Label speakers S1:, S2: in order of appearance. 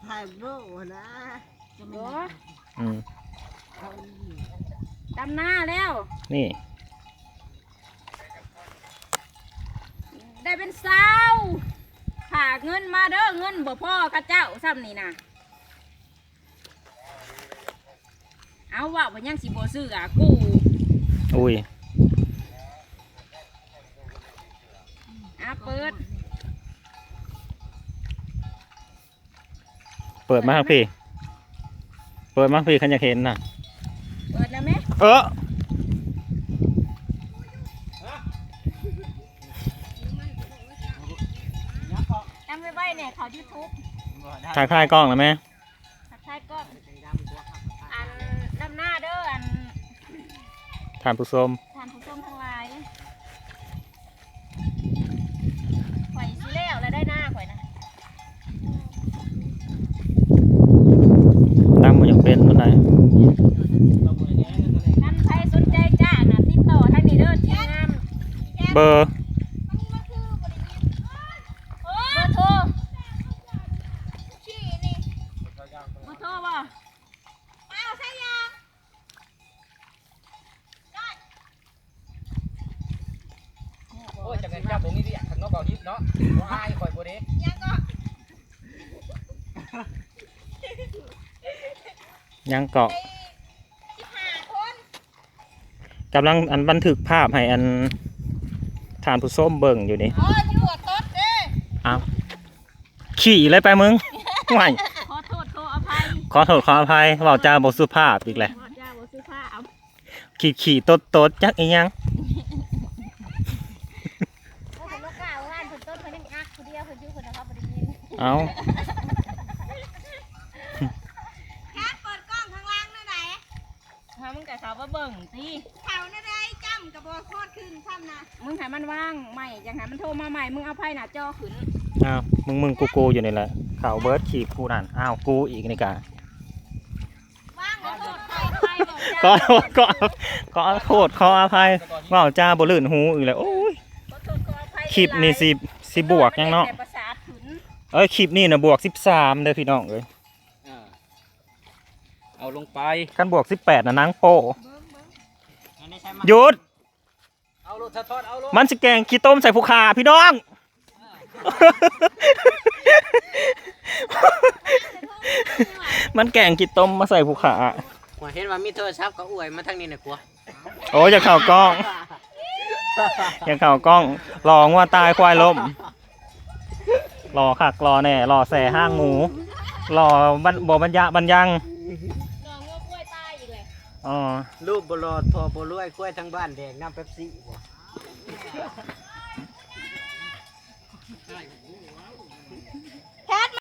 S1: ถ่ายรูปนะ
S2: โอ้
S3: อืม
S2: ดำหน้าแล้ว
S3: นี่
S2: ได้เป็นสาวฝากเงินมาเด้อเงินบ่พ่อข้าเจ้าซ้ำนี่นะเอาว่าบ่ยังสิบ่ซื้ออ่ะกู
S3: อุ้ย
S2: เปิด
S3: มาครับพี่เปิดมาพี่ขันอยากเห็นน่ะ
S2: เปิดแล้วไหมจำไว้ไว้เนี่ยเขา YouTube
S3: ถ่ายคลายกล้องแล้วไหม
S2: ถ่ายกล้องอันดำหน้าเด้ออัน
S3: ทานผู้ชม
S2: ทั้งหลายข่อยสิแล้วแล้วได้หน้าข่อยนะ
S3: ตั้งมันอยากเป็นคนไหน
S2: ท่านใครสนใจจ้าน่ะติดต่อทางนี้เด้อทีมงาน
S3: เบอร์
S2: โทรบ่เอาใช่ยัง
S4: โอ้ยจากเงินจับผมนี่ดิข้างนอกเบาทิพย์เนาะบ่อายคอยบ่เด้
S2: ยังก็
S3: ยังเกาะกำลังอันบันทึกภาพให้อันทานผู้ส้มเบิ่งอยู่นี่
S2: โอ้ยปวดต้นเด้
S3: อ้าวขี่เลยไปมึงไม่
S2: ขอโทษขออภัย
S3: ขอเว้าจาบ่สุภาพอีกแหละขี่ตดจักอีหยังเอา
S2: แค่เปิดกล้องข้างล่างนั่นไหนมึงกับเขาว่าเบิ่งสิเขานั่นได้จำกับบอโคตรขึ้นซ้ำนะมึงให้มันว่างใหม่อย่างให้มันโทรมาใหม่มึงเอาไพ่หน้าจอขึ้น
S3: อ้าวมึงกูอยู่นี่แหละข่าวเบิร์ดขี่กูนั่นอ้าวกูอีกนี่กะ
S2: ว่างขอโทษ
S3: ขออภัยว่าจ้าบ่ลื่นหูอีกแล้วโอ้ยคลิปนี่สิบวกยังเนาะคลิปนี่นะบวก13เด้อพี่น้องเอ้ย
S4: เอาลงไป
S3: กันบวก18นะนางโป้หยุด
S4: เอาลงทอดเอาลง
S3: มันสิแกงขี้ต้มใส่ผู้ขาพี่น้องมันแกงขี้ต้มมาใส่ผู้ขา
S4: เห็นว่ามีโทรศัพท์ก็อวยมาทางนี้น่ะกลัว
S3: โอ้ยอย่าเข่ากล้องรอว่าตายควายล้มรอคักรอแน่รอแส่ห้างหมูรอบ่บรรยังรองัว
S2: กล้วยตายอีกเลย
S4: รูปบลอดพอบรวยกล้วยทั้งบ้านแดงน้ำเป๊ปซี่บ่